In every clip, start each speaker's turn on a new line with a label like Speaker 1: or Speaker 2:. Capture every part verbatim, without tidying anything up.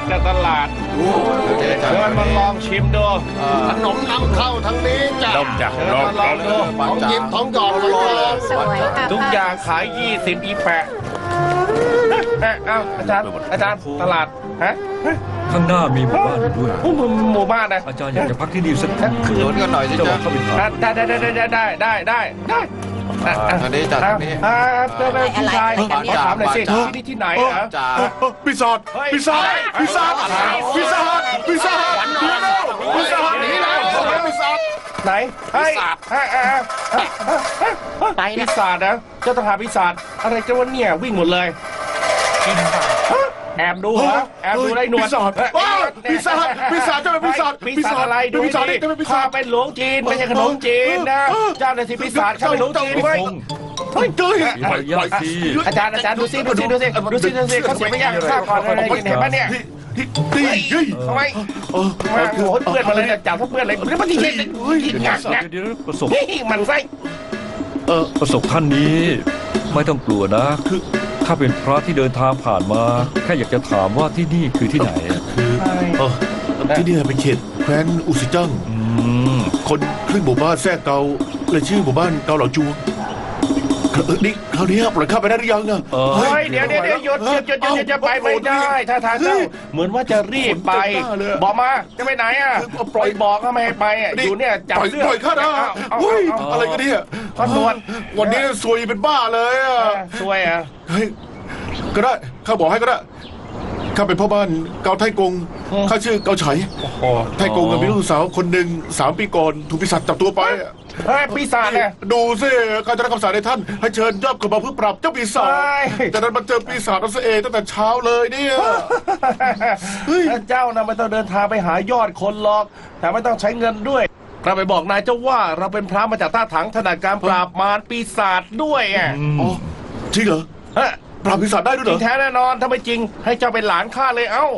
Speaker 1: จากตลาดเชิญมาลองชิมดู
Speaker 2: ขนมนำเข้าทั้งนี้จ้ะ
Speaker 1: ลองจ้ะลองลองดู
Speaker 2: ของหยิบของหยอดเลย
Speaker 3: สวยค่ะ
Speaker 1: ทุกอย่างขายยี่สิบอีแปะเอ้าอาจารย์อาจารย์ตลาดฮะ
Speaker 4: ข้างหน้ามีหมู่บ้านด้วย
Speaker 1: หมู่บ้านนะ
Speaker 4: อาจารย์อยากจะพักที่นี่สักคืน
Speaker 2: ชวนกันหน่อยสิ
Speaker 4: จะ
Speaker 2: จ๊ะ
Speaker 4: ว่าเข้าไปถาม
Speaker 1: ได้ได้ได้ได้ได้ได้ได้ได้
Speaker 2: ทางนี้จ้ะทางนี้
Speaker 1: อ่าเจ้าแม่พี่ชายขอถามหน่อยสิที่นี่ที่ไหนเหรอ
Speaker 2: จ้า
Speaker 5: ปีศาจปีศาจปีศาจปีศาจปีศาจหนีแล้วปีศาจหนีแล้วปีศาจ
Speaker 1: ไหนปีศาจไปปีศาจนะเจ้าทหารปีศาจอะไรกันวะเนี่ยวิ่งหมดเลยแอบดูเหรอแอบดูได้หนวด
Speaker 5: ปีศาจปีศาจปีศาจเจ้าเป็นปีศาจ
Speaker 1: ปีศาจอะไรดู
Speaker 5: ปีศาจ
Speaker 1: ดิ
Speaker 5: เจ้าเป็นปี
Speaker 1: ข้า
Speaker 5: ศาจ
Speaker 1: เป็นหลวงจีนไม่ใช่ขนมจีนนะเจ้าหน้าที่ปีศาจข้าเป็นหลวงจีน
Speaker 4: พี่
Speaker 1: เว้ย
Speaker 4: พงษ์
Speaker 5: เฮ้ยเจ้ย
Speaker 4: มีมารยาทสิ
Speaker 1: อาจารย์อาจารย์ดูซิดูซิดูซิดูซิดูซิเขาเสียไม่ยากข้าก่อนอะไรกินเห็นปะเนี่ย
Speaker 5: ที่ที่เฮ้ย
Speaker 1: ทำไมมาโอ้ยเพื่อนมาเลยจับทั้งเพื่อนเลยนี่มันที่เห็นหนักนะ
Speaker 4: เดี๋ยวประสบ
Speaker 1: นี่มันไส้
Speaker 4: เออประสบท่านนี้ไม่ต้องกลัวนะคือข้าเป็นพระที่เดินทางผ่านมาแค่อยากจะถามว่าที่นี่คือที่ไหนอะ
Speaker 5: คือเออที่นี่เป็นเขตแคว้นอุซิจัง
Speaker 4: อืม
Speaker 5: คนครึ่งหมู่บ้านแทรกเกาเลยชื่อหมู่บ้านเกาเหลาจูเออนี่คราวนี้ปล่อยข้าไปได้หรือยังอะ
Speaker 4: เออ
Speaker 1: เฮ้ยเดี๋ยวเดี๋ยวเดี๋ยวหยุดหยุดหยุดหยุดจะไปไม่ได้ถ้าทางเจ้าเหมือนว่าจะรีบไปบอกมาจะไปไหนอ่ะปล่อยบอกก็ไม่ให้ไปอ่ะอยู่เนี่ยจับ
Speaker 5: ปล่อย
Speaker 1: เสื้อ
Speaker 5: ปล่อยข้านะเฮ้ยอะไรกันเนี่ย
Speaker 1: ขอนวด
Speaker 5: วันนี้ซวยเป็นบ้าเลยอะ
Speaker 1: สวยอ่ะ
Speaker 5: เฮ้ยก็ได้ข้าบอกให้ก็ได้ข้าเป็นพ่อบ้านเกาไทกงข้าชื่อเกาไฉไทกงมีลูกสาวคนหนึ่งสามปีก่อนถูกปีศาจจับตัวไป
Speaker 1: เฮ้ยปีศาจเนี่ย
Speaker 5: ดูสิการจะรับคำสั่งในท่านให้เชิญยอดคนมาเพื่อปรับเจ้าปีศาจแต่นั้นมันเจอปีศาจนั่นเองตั้งแต่เช้าเลยเนี่ย
Speaker 1: เจ้านะไม่ต้องเดินทางไปหายอดคนหรอกแต่ไม่ต้องใช้เงินด้วยเราไปบอกนายเจ้าว่าเราเป็นพระมาจากท่าถังถนัดการปราบมารปีศาจด้วยอ่ะ
Speaker 5: อ๋อจริงเหรอ
Speaker 1: เฮ้ย
Speaker 5: ปราบปีศาจได้ด้วย
Speaker 1: จ
Speaker 5: เหร
Speaker 1: ริ
Speaker 5: อง
Speaker 1: แท้แน่นอนถ้าไม่จริงให้เจ้าเป็นหลานข้าเลยเอ้า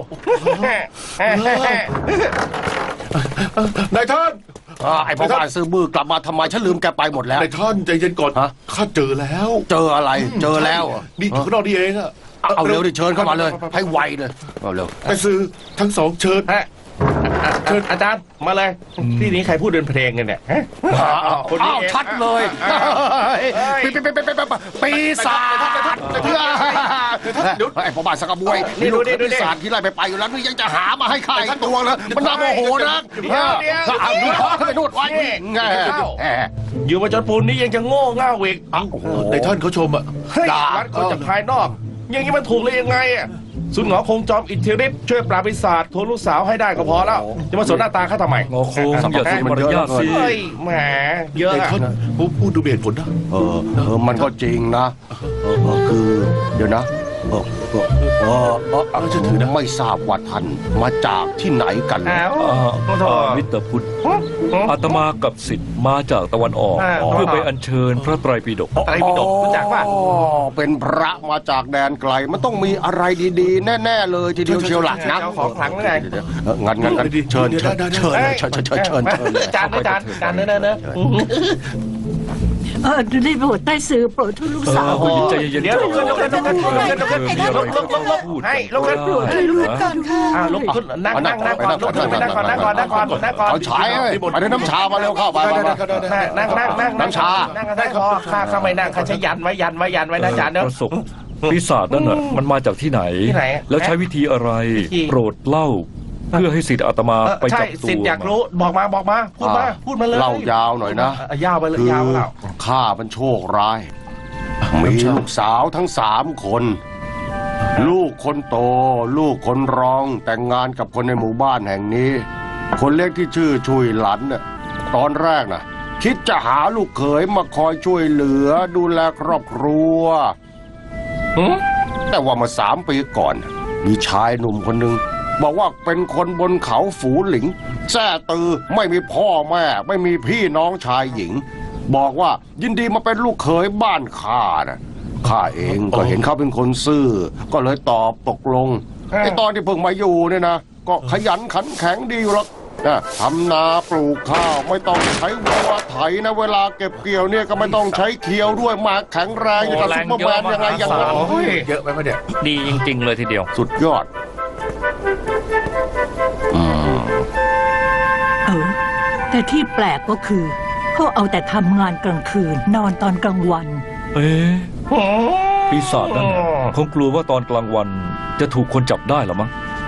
Speaker 5: นายท่าน
Speaker 2: ไอ้พ่อบ้านซื้อบื้อกลับมาทำไมฉันลืมแกไปหมดแล้ว
Speaker 5: นายท่านใจเย็นก่อนข้าเจอแล้ว
Speaker 2: เจออะไรเจอแล้ว
Speaker 5: นี่อยู่ข้างนอกนี่เองอะ
Speaker 2: เอาเร็วดิเชิญเข้ามาเลยให้ไวเลยเอาเร็ว
Speaker 5: ไปซื้อทั้งสองเชิญ
Speaker 1: ฮะเชิญอาจารย์มาเลยที่นี้ใครพูดเดินเพลงกันเนี่ยฮะ คนนี้
Speaker 2: อ้าว
Speaker 1: เอง
Speaker 2: ชัดเลย
Speaker 1: อ่ะ
Speaker 2: ปีปีปีปีปีปีศาจเดี๋ยวไอ้พ่อบ้านสักกระบวยนี่ดูดิปีศาจที่ไล่ไปไปอยู่แล้วนี่ยังจะหามาให้ข้าอีกตัวเลยมันน่าโมโหนะ
Speaker 1: เดี๋ยวเดี๋ยว
Speaker 2: เอาดูขอขึ้นไปนวดไว้ไง
Speaker 1: อยู่มาจนปูนนี้ยังจะโง่เง่าอีก
Speaker 5: นายท่านเขาชมอะ
Speaker 1: เฮ้ยวัดคนจากภายนอก อย่างนี้มันถูกเลยยังไงอ่ะสุนหงอคงจอมอิทธิฤทธิ์ช่วยปราบปีศาจทวนลูกสาวให้ได้ก็พอแล้วจะมาสนหน้าตาข้าทำไม
Speaker 4: งอคงอย่าเสียมารยาทสิ
Speaker 1: เฮ้ยแหมเยอะ
Speaker 5: นาย
Speaker 1: อะ
Speaker 5: ท่านพูดพูดดูมีเหตุผลนะ
Speaker 2: เออเออมันก็จริงนะเออเออคือเดี๋ยวนะเออเออเออเออเออไม่ทราบว่าท่านมาจากที่ไหนกัน
Speaker 1: อ้าว
Speaker 4: อ่า
Speaker 1: ขอโทษ
Speaker 4: อ่ามิสเตอร์พุทธอาตมากับสิทธิ์มาจากตะวันออก
Speaker 1: อ่า
Speaker 4: เพื่อไปอัญเชิญพระไตรปิฎก
Speaker 1: ไตรปิฎกรู้จักป่ะ
Speaker 2: อ๋อเป็นพระมาจากแดนไกล มันต้องมีอะไรดีๆ แน่ๆเลยทีเดียวเชียวหลักนะ
Speaker 1: เจ้าของขลังนั่นไง
Speaker 2: เดี๋ยวๆเอองั้นงั้นงั้นเชิญเชิญเชิญเลยเชิญเชิญเชิญเชิญเชิญเลย
Speaker 1: จานนะจานจานเนอะเนอะเนอะ
Speaker 6: เออดูได้โปรดใต้สื่อโปรดทุกลูกสาว
Speaker 4: ผู้หญิงใจเย็นๆ
Speaker 1: เดี๋ยวลุกขึ้นลุกขึ้นลุกขึ้นลุกขึ้นลุกขึ้นลุกลุกลุกลุกลุกให้ลุกขึ้น
Speaker 4: พูด
Speaker 6: ให้ลูกก่อนค่ะ
Speaker 1: อ่าลุกขึ้นนั่งนั่งนั่งก่อนลุกขึ้นไปนั่งก่อนนั่งก่อนนั่งก่อนนั่งก่อน
Speaker 2: เอาฉายเลยไปได้น้ำชามาเร็วเข้าไปไปไป
Speaker 1: นั่งนั่งนั่งนั่งนั่งกันได้พอข้าข้าไม่นั่งข้าใช้ยันไว้ยันไว้ยันไว้นะจานเนอะ
Speaker 4: ประสบปีศาจนั่นน่ะมันมาจากที่ไหน
Speaker 1: ที่ไหน
Speaker 4: แล้วใช้วิธีอะไร
Speaker 1: วิธี
Speaker 4: โปรดเล่า เพื่อให้สิทธิ์อาตมา
Speaker 1: เออ
Speaker 4: ไป
Speaker 1: ใช่
Speaker 4: จับตัว
Speaker 1: สิทธิ์อยากรู้บอกมาบอกมาพูดมาพูดมาเลย
Speaker 2: เล่ายาวหน่อยนะ
Speaker 1: เยาวไปเลย
Speaker 2: คือย
Speaker 1: าวเปล่า
Speaker 2: ข้ามันโชคร้าย มีลูกสาวทั้งสามคน ลูกคนโต ลูกคนรองแต่งงานกับคนในหมู่บ้านแห่งนี้ คนเล็กที่ชื่อชุยหลันน่ะตอนแรกน่ะ คิดจะหาลูกเขยมาคอยช่วยเหลือดูแลครอบครัว แต่ว่ามาสามปีก่อน มีชายหนุ่มคนหนึ่งบอกว่าเป็นคนบนเขาฝูหลิงแซ่ตือไม่มีพ่อแม่ ไม่มีพี่น้องชายหญิง บอกว่ายินดีมาเป็นลูกเขยบ้านข้านะข้าเองก็เห็นเขาเป็นคนซื่อ ก็เลยตอบตกลงไอ้ตอนที่เพิ่งมาอยู่เนี่ยนะก็ขยันขันแข็งดีอยู่หรอกนะทำนาปลูกข้าวไม่ต้องใช้วัวไถนะเวลาเก็บเกี่ยวเนี่ยก็ไม่ต้องใช้เคียวด้วยมาแข็งแรงอย่างกับซุปเปอร์แมนยังไงอย่างนั้น
Speaker 1: โอ้ย
Speaker 5: เยอะไหมวะเนี่ย
Speaker 7: ดีจริงๆเลยทีเดียว
Speaker 2: สุดยอด
Speaker 6: แต่ที่แปลกก็คือเขาเอาแต่ทำงานกลางคืนนอนตอนกลางวัน
Speaker 4: เอ๊ะปีศาจนั่นน่ะคงกลัวว่าตอนกลางวันจะถูกคนจับได้หรอมั้ง